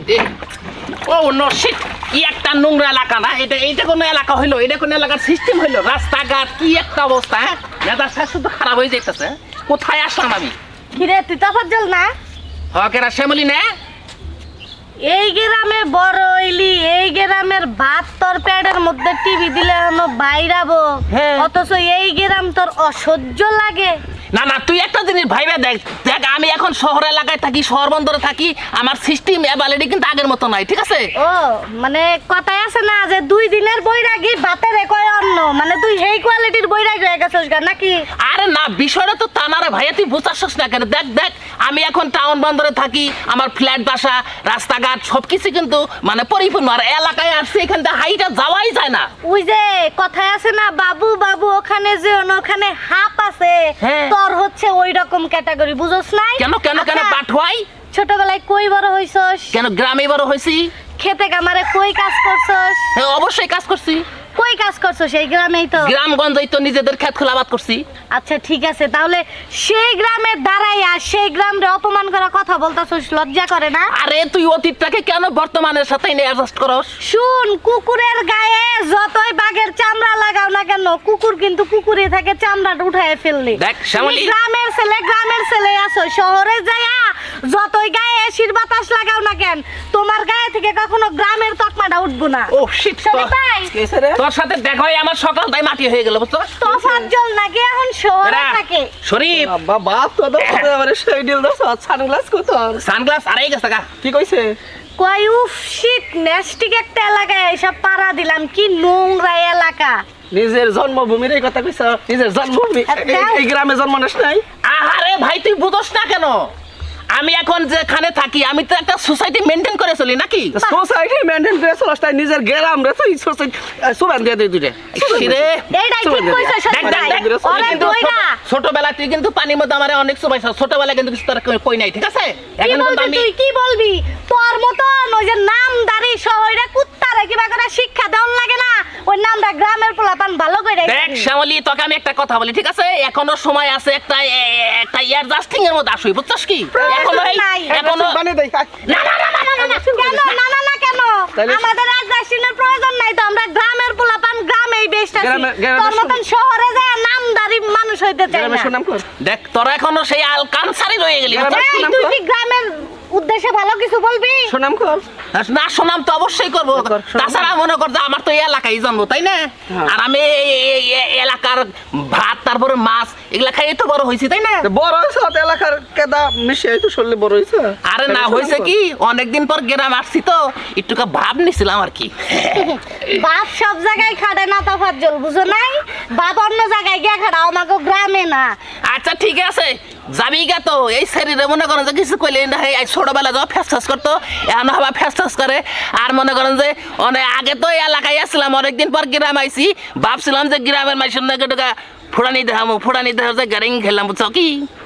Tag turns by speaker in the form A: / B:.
A: ও no shit, কি একটা নোংরা এলাকা না এটা? এইটা কোন এলাকা হইলো? এটা কোন এলাকার সিস্টেম হইলো? রাস্তাঘাট কি একটা অবস্থা, হ্যাঁ? মেজাজ শুধু খারাপ হয়ে যাইতেছে। কোথায় আসলাম আমি?
B: কিরে তুই তফাজ্জল না?
A: হকেরা শ্যামলি না?
B: এই গ্রামে বড় হইলি, এই গ্রামের ভাত তোর পেটের মধ্যে টিভি দিলে এখনো বাইরাবো,
A: হ্যাঁ।
B: অথচ এই গ্রাম তোর অসহ্য লাগে।
A: না না, তুই একটা জিনিস ভাইবা দেখ দেখ, আমি এখন শহর এলাকায় থাকি, শহর বন্দরে থাকি, আমার সিস্টেম অ্যাবিলিটি কিন্তু আগের মতো নাই, ঠিক আছে?
B: ও মানে কথায় আছে না যে 2 দিনের বৈরাগী ভাতের কয় অন্ন, মানে তুই এই কোয়ালিটির বৈরাগী হয়ে গেছিস গা নাকি?
A: আরে না, বিষয়টা তো তা না রে ভাইয়া, তুই বুঝাচ্ছিস না কেন? দেখ দেখ, আমি এখন টাউন বন্দরে থাকি, আমার ফ্ল্যাট বাসা, রাস্তাঘাট সবকিছু কিন্তু মানে পরিপূর্ণ। আর এলাকায় আসছে, এখান থেকে হাইটা যাওয়াই যায় না।
B: ওই যে কথায় আছে না, বাবু বাবু ওখানে যে ওখানে হাপ আছে,
A: হ্যাঁ।
B: তোর হচ্ছে ওই রকম ক্যাটাগরি, বুঝছস নাই?
A: কেন কেন কেন
B: আচ্ছা,
A: পাঠওয়াই?
B: ছোটবেলায় কই বড় হইছস?
A: কেন গ্রামে বড় হয়েছি?
B: খেতে কামারে কই কাজ করছস?
A: হ্যাঁ, অবশ্যই কাজ করছি।
B: কই কাজ করছস? এই গ্রামেই তো।
A: গ্রামগঞ্জেই তো নিজেদের ক্ষেত খোলা আবাদ করছি।
B: আচ্ছা ঠিক আছে, তাহলে সেই গ্রামে দাঁড়াইয়া সেই গ্রামে অপমান করা কথা বলতাছস, লজ্জা করে না?
A: আরে তুই অতীতটাকে কেন বর্তমানের সাথে অ্যাডজাস্ট করস?
B: শুন, কুকুরের গায়ে যতই বাঘের চামড়া লাগাও না কেন, কুকুর কিন্তু কুকুরে থাকে, চামড়াটা উঠায় ফেললি।
A: দেখ শ্যামলী,
B: তুমি গ্রামের ছেলে আছো, শহরে যাইয়া যতই গায়ে এসির বাতাস লাগাও না কেন, তোমার গায়ে থেকে কখনো গ্রামের তকমাটা উঠবো না।
A: ও শিট,
B: শোনো ভাই,
A: তোর সাথে দেখা হয় আমার সকালটাই মাটি হয়ে গেল, বুঝছো?
B: তফাজ্জল নাকি এখন শহরে থাকে?
A: শরীফ
C: বাবা বাপ তো আমারে শৈডিল দছ সানগ্লাস কত
A: সানগ্লাস আড়াই গেছে গা।
C: কি কইছে?
B: কই উফ শিট, নেস্টিক একটা এলাকায় এসব পাড়া দিলাম, কি নোংরা এলাকা।
C: নিজের জন্মভূমির এই কথা কইছ? নিজের জন্মভূমি এই গ্রামে জন্ম নেস নাই?
A: আরে ভাই, তুই বুঝছ না কেন? আমি এখন যেখানে থাকি, আমি তো একটা সোসাইটি মেনটেন করে চলি নাকি?
C: সোসাইটি মেইনটেইন করে চলস তাই নিজের গ্রাম রে তুই সোসাইটি সুবান দিয়ে দে দুইটা।
A: রে
B: এইটাই ঠিক কইছ
A: দেখ,
B: সত্যি।
A: দেখ, দেখ,
B: ওরে
A: কিন্তু
B: দইরা
A: ছোটবেলায় তুই কিন্তু পানির মধ্যে আমার অনেক চুবাইছ, ছোটবেলায় কিন্তু কিছু তোর কই নাই, ঠিক আছে?
B: কি
A: এখন কিন্তু
B: বলবি
A: আমি
B: তুই, কি বলবি? তোর মতন ওই যে নামদারি শহরে কুত্তারে কিবা করে শিক্ষা দেওয়ার লাগে না, ওই নামটা গ্রামের পোলাপান ভালো করে
A: দেখ শ্যামলী, তোকে আমি একটা কথা বলি, ঠিক আছে? এখনো সময় আছে, একটা অ্যাডজাস্টিং এর মধ্যে আসুই, বুঝছস কি? এখনো
C: বানিয়ে দেই।
A: না না না না না, না, না।
B: কেন না কেন?
C: তাহলে
B: আমাদের রাজধানীর প্রয়োজন নাই তো, আমরা গ্রামের পোলাপান গ্রামেই বেস্ট আছি।
C: গ্রামে
B: তোর মতন শহরে যায় নামদারি মানুষ হইতে চাই
C: গ্রামে
B: না।
C: সুনাম কর।
A: দেখ, তোরা এখনো সেই আলকানসারি রয়ে গেলি, বুঝছস?
B: এই, তুই কি গ্রামের উদ্দেশ্যে ভালো কিছু বলবি?
C: সুনাম কর।
A: না, শোনাম তো অবশ্যই করবো।
C: কর, শোনাম।
A: তাছাড়া মনে কর যে আমার তো এই এলাকায় জন্ম, তাই না?
C: হ্যাঁ।
A: আর আমি এই এলাকার ভাত, তারপরে মাছ, এগুলা খাই তো বড় হয়েছি, তাই না?
C: বড় হইছ এলাকার কেদা মিশে তো শুনলে বড় হইছ।
A: আরে না, হয়েছে কি, অনেকদিন পর গ্রাম আসছি তো একটুকা ভাব নিছিলাম আর কি।
B: বাপ সব জায়গায় খাটে না তফাজ্জল, বুঝো নাই? বাপ অন্য জায়গায় গিয়ে খাটাও, আমাকে গ্রামে না।
A: আচ্ছা ঠিক আছে, যাবি গা তো। এই শরীরে মনে করেন যে কিছু কইলে না, এই ছোটবেলা যাওয়া ফ্যাস করতো, এখন হবা ফ্যাস করে। আর মনে করেন যে অনেক আগে তো এই এলাকায় আসছিলাম, অনেকদিন পর গ্রাম আইছি, ভাবছিলাম যে গ্রামের মাইসের নাকি ফুটানি দেখামো, ফুটানি দেখা যায় গাড়ি খেললাম, বুঝছো কি?